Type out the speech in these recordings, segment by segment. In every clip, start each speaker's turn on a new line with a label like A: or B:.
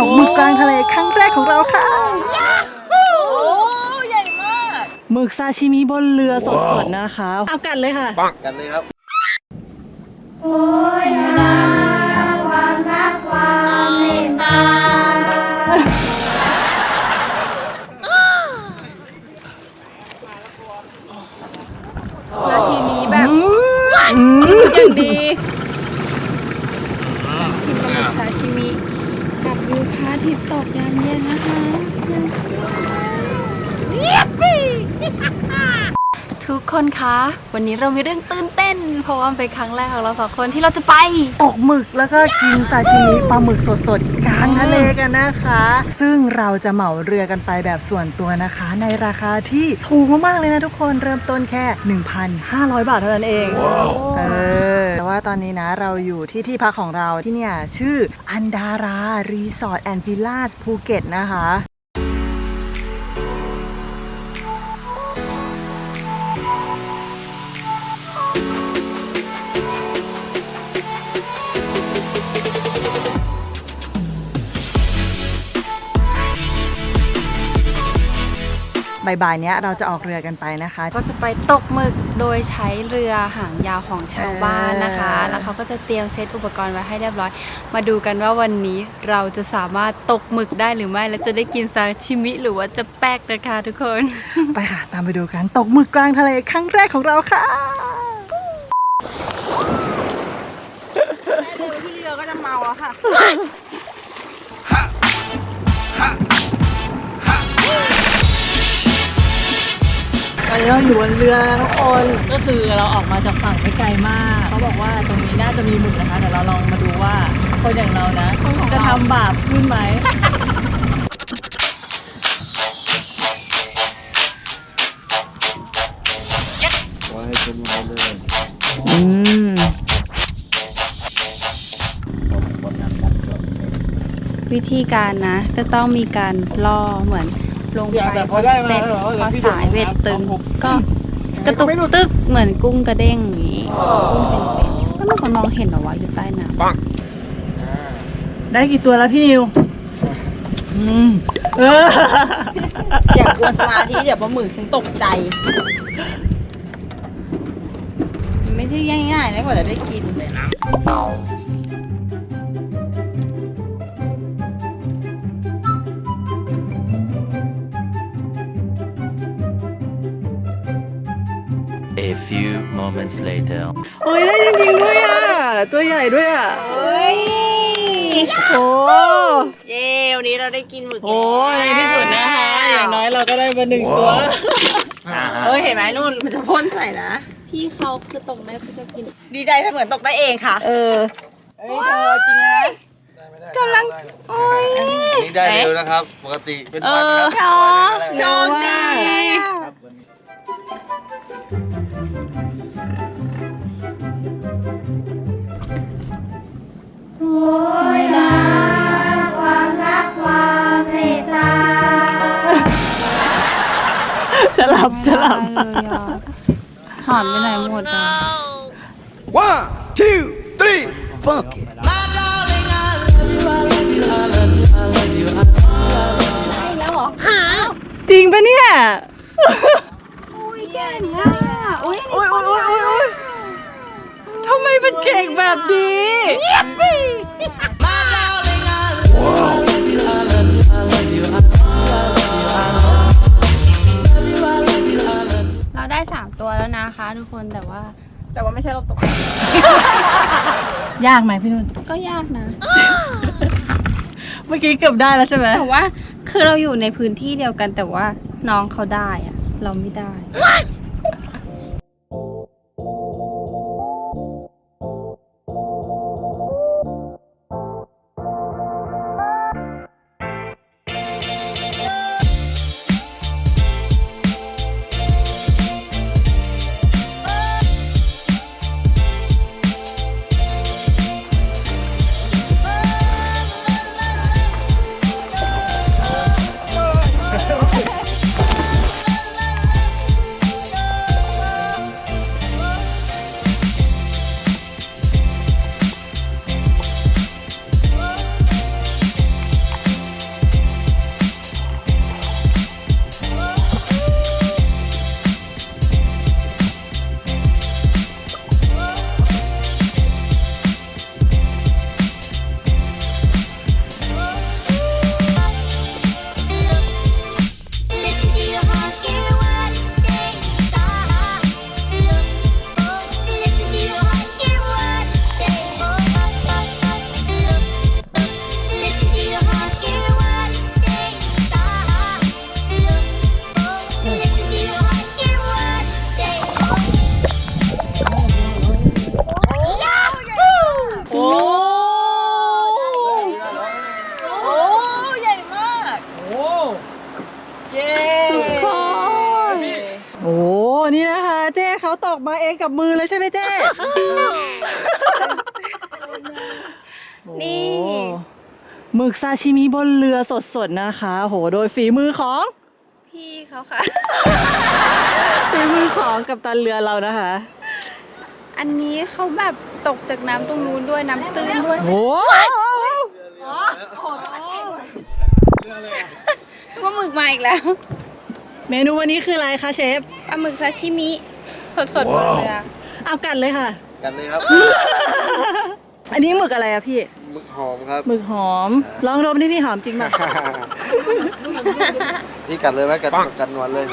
A: ตกหมึกกลางทะเลครั้งแรกของเราค่ะ
B: โอ้ใหญ่มาก
A: หมึกซาชิมิบนเรือสดๆนะคะเอากันเลยค่ะ
C: กันเลยครับ
D: โอ้ยนาความรักความเมตตา
B: นาทีนี้แบบอย่างดีกินปลาหมึกซาชิมิกับวิวพระอาทิตย์ตกยามเย็นนะคะทุกคนคะวันนี้เรามีเรื่องตื่นเต้นเพราะว่าเป็นครั้งแรกของเราสองคนที่เราจะไป
A: ตกหมึกแล้วก็กินซาชิมิปลาหมึกสดๆกลางทะเลกันนะคะซึ่งเราจะเหมาเรือกันไปแบบส่วนตัวนะคะในราคาที่ถูกมากๆเลยนะทุกคนเริ่มต้นแค่ 1,500 บาทเท่านั้นเองแต่ว่าตอนนี้นะเราอยู่ที่พักของเราที่เนี่ยชื่ออันดารารีสอร์ทแอนด์วิลล่าภูเก็ตนะคะบ่ายๆเนี้ยเราจะออกเรือกันไปนะคะ
B: ก็จะไปตกหมึกโดยใช้เรือหางยาวของชาวบ้านนะคะแล้วเขาก็จะเตรียมเซตอุปกรณ์ไว้ให้เรียบร้อยมาดูกันว่าวันนี้เราจะสามารถตกหมึกได้หรือไม่และจะได้กินซาชิมิหรือว่าจะแป๊กนะคะทุกคน
A: ไปค่ะตามไปดูกันตกหมึกกลางทะเลครั้งแรกของเราค่ะ
B: ดูที่เรือก็จะเมาแล้วค่ะ
A: ตอนนี้เราอยู่บนเรือทุกคนก็คือเราออกมาจากฝั่งไม่ไกลมากเขาบอกว่าตรงนี้น่าจะมีหมึกนะคะแต่เราลองมาดูว่าคนอย่างเรานะจะทำบาปขึ้นไหม
C: ว่าให้เป็นมาเลย
B: วิธีการนะก็ต้องมีการล่อเหมือนลงไปพอสายเวทตึงก็กระตุกตึกเหมือนกุ้งกระเด้งอย่างนี้กุ้งเป็นแล้วมันมองเห็นเหรอวะอยู่ใต้น้ำ
A: ได้กี่ตัวแล้วพี่นิว
B: อย่ากวนสมาธิเดี๋ยวปลาหมึกฉันตกใจไม่ใช่ง่ายๆนะกว่าจะได้กิน
E: A few moments later
A: โอ้ยได้จริงๆด้วยอ่ะตัวใหญ่ด้วยอ่ะ
B: เฮ้ย
A: โอ้
B: เย้วันนี้เราได้กินหมึก
A: โอ้ในที่สุดนะคะอย่างน้อยเราก็ได้มา1 ตัว
B: เห็นไหมนู่นมันจะพ่นใส่นะพี่เขาคือตกได้เขาจะกินดีใจเสมือนตกได้เองค่ะ
A: เธอจริงนะ
B: กำลังโอ้ย
C: นี่ได้เร็วนะครับปกติเป็นวันนะครับ
B: โชคดี
D: โอ้ยนาความรักความเมตตา
A: จะหลับ
B: หอมไปไหนหมดอ่ะ
C: 1 2 3 fuck it
B: แล้วเหรอ
A: จริงปะเนี่ย
B: อุ้ยเก่งอ่ะอุ้ย
A: ทำไมเป็นเก่งแบบนี้
B: เราได้3 ตัวแล้วนะคะทุกคนแต่ว่าไม่ใช่เราตก
A: ยากไหมพี่นุ่น
B: ก็ยากนะ
A: เมื่อกี้เกือบได้แล้วใช่ไหม
B: แต่ว่าคือเราอยู่ในพื้นที่เดียวกันแต่ว่าน้องเขาได้อะเราไม่ได้
A: ตกมาเองกับมือเลยใช่ไหมเจ๊
B: นี่
A: โอ้หมึกซาชิมิบนเรือสดๆนะคะโหโดยฝีมือของ
B: พี่เขาค่ะ
A: ฝีมือของกัปตันเรือเรานะคะ
B: อันนี้เขาแบบตกจากน้ำตรงนู้นด้วยน้ำตื้นด้วย
A: โอ้
B: นึกว่าหมึกมาอีกแล้ว
A: เมนูวันนี้คืออะไรคะเชฟ
B: ปลาหมึกซาชิมิสดๆบนเรือ
A: เอากัดเลยค่ะ
C: กันเลยครับ
A: อันนี้หมึกอะไรอะพี่
C: หมึกหอมครับ
A: หมึกหอม ลองดมดิพี่หอมจริงป่ะ
C: นี่กัดเลยไหมกัดหนวดเลย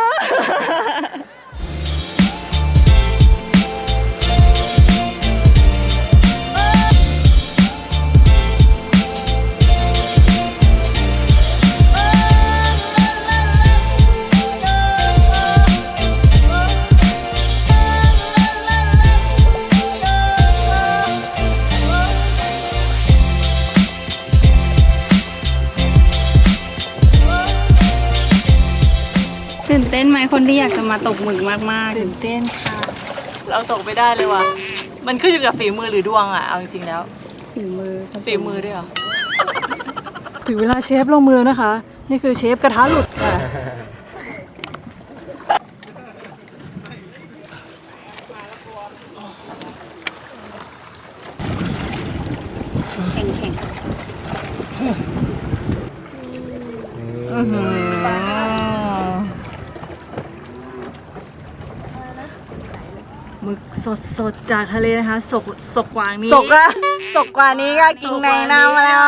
B: ตื่นเต้นไหมคนที่อยากจะมาตกหมึกมาก
A: ตื่นเต้นค่ะ เราตกไม่ได้เลยว่ะ มันขึ้นอยู่กับฝีมือหรือดวงอะเอาจริงๆแล้ว
B: ๆฝีมือ
A: ฝีมือด้วยเหรอ ถึงเวลาเชฟลงมือแล้วนะคะ นี่คือเชฟกระทะหลุดค่ะ
B: แข็ง
A: หมึกสดๆจากทะเลนะคะสกกว่านี้
B: สกกว่านี้ก็กินในน้ำแล้ว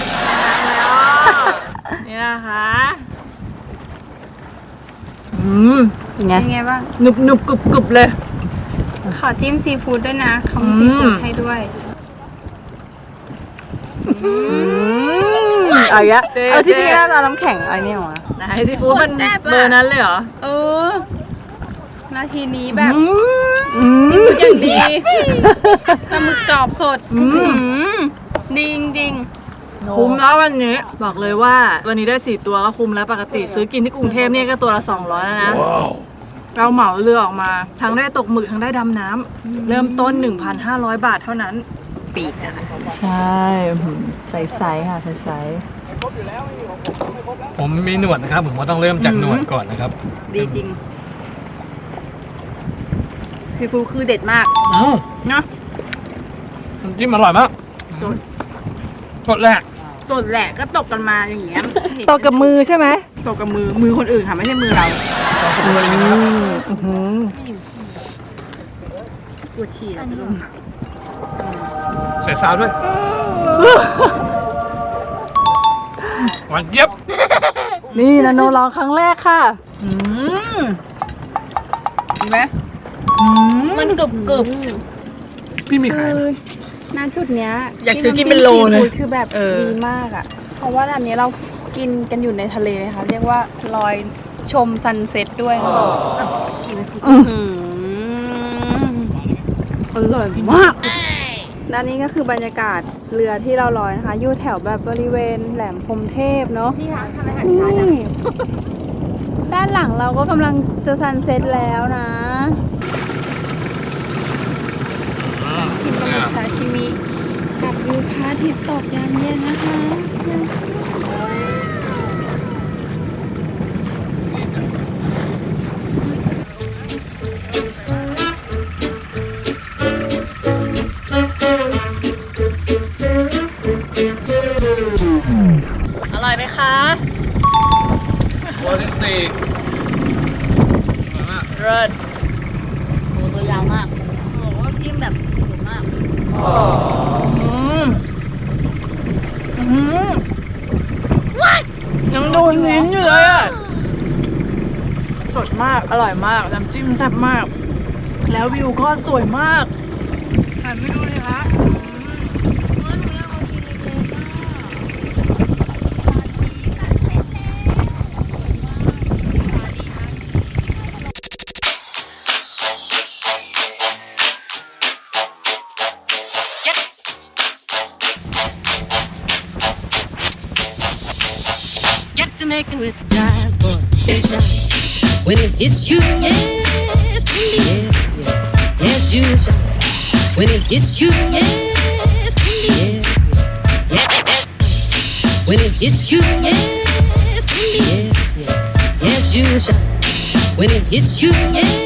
A: นี่นะคะเป็นไง
B: เป็นไงบ้าง
A: หนุบกรุบเลย
B: ขอจิ้มซีฟู้ดด้วยนะเขามีซีฟู้ดให้ด้วย
A: เอาอีกแล้ว
B: เอาที่นี่น่าจะน้ำแข็งอะไรเนี่ยหรอ
A: ไหนซีฟู้ดมัน
B: โคตรแซ่บอะ
A: เบอร์นั้นเลยเหรอ
B: เออ นาทีนี้แบบซีฟู้ดอย่างดีปลาหมึกกรอบสดดีจริง
A: คุ้มแล้ววันนี้ บอกเลยว่าวันนี้ได้4ตัวก็คุ้มแล้วปกติซื้อกินที่กรุงเทพเนี่ยก็ตัวละ200แล้วนะ เราเหมาเรือออกมา ทั้งได้ตกหมึกทั้งได้ดำน้ำเริ่มต้น 1,500 บาทเท่านั้น
B: ๆปีกอะ
A: ใช่ใสๆค่ะใส
F: ผมมีหนวดนะครับ ผมก็ต้องเริ่มจากหนวดก่อนนะครับ
A: ดีจริง
B: ซีฟู้ดคือเด็ดมาก
A: เนาะ
F: น้ำจิ้มอร่อยมากสดแรก
B: สดแหละก็ตกกันมาอย่างเงี้ย
A: ตกกับมือใช่ไหม
B: ตกกับมือคนอื่นค่ะไม่ใช่มือเราปวดฉี่แล้วจะลง
F: ใส่ซาวด้วยหวานเย็บ
A: นี่นาโนลองครั้งแรกค่ะ
B: เห็นไหมมันกรึบ
F: พี่มีขายไหม
B: คือณจุดเนี้ย
A: อยากซื้อกินเป็นโลเลย
B: ที่ำจิ้มซีฟู้ดคือแบบดีมากอ่ะ เพราะว่าอันนี้เรากินกันอยู่ในทะเลนะคะเรียกว่าลอยชมซันเซ็ตด้วยค่ะอร่อยมากด้านนี้ก็คือบรรยากาศเรือที่เราลอยนะคะ อยู่แถวแบบบริเวณแหลมพรหมเทพเนาะนี่ด้านหลังเราก็กำลังจะซันเซ็ตแล้วนะกินปลาหมึกซาชิมิกับวิวพระอาทิตย์ตกยามเย็นนะคะยังสวย
A: อร่อยไหมคะ
F: ตัวที่สี่อร่อยมาก
A: เลิศ
B: โหตัวยาวมากโอ้โหจิ้มแบบสวยมาก
A: ยังโดนลิ้นอยู่เลยอ่ะ สดมาก อร่อยมาก น้ำจิ้มแซ่บมาก แล้ววิวก็สวยมากหันไปดูเลยคะ
G: Got to make it with drive for station. When it hits you, yes, yes, yes. yes you shall. When it hits you, yes, yes, yes. When it hits you, yes, yes, yes, yes you shall. When it hits you, yes.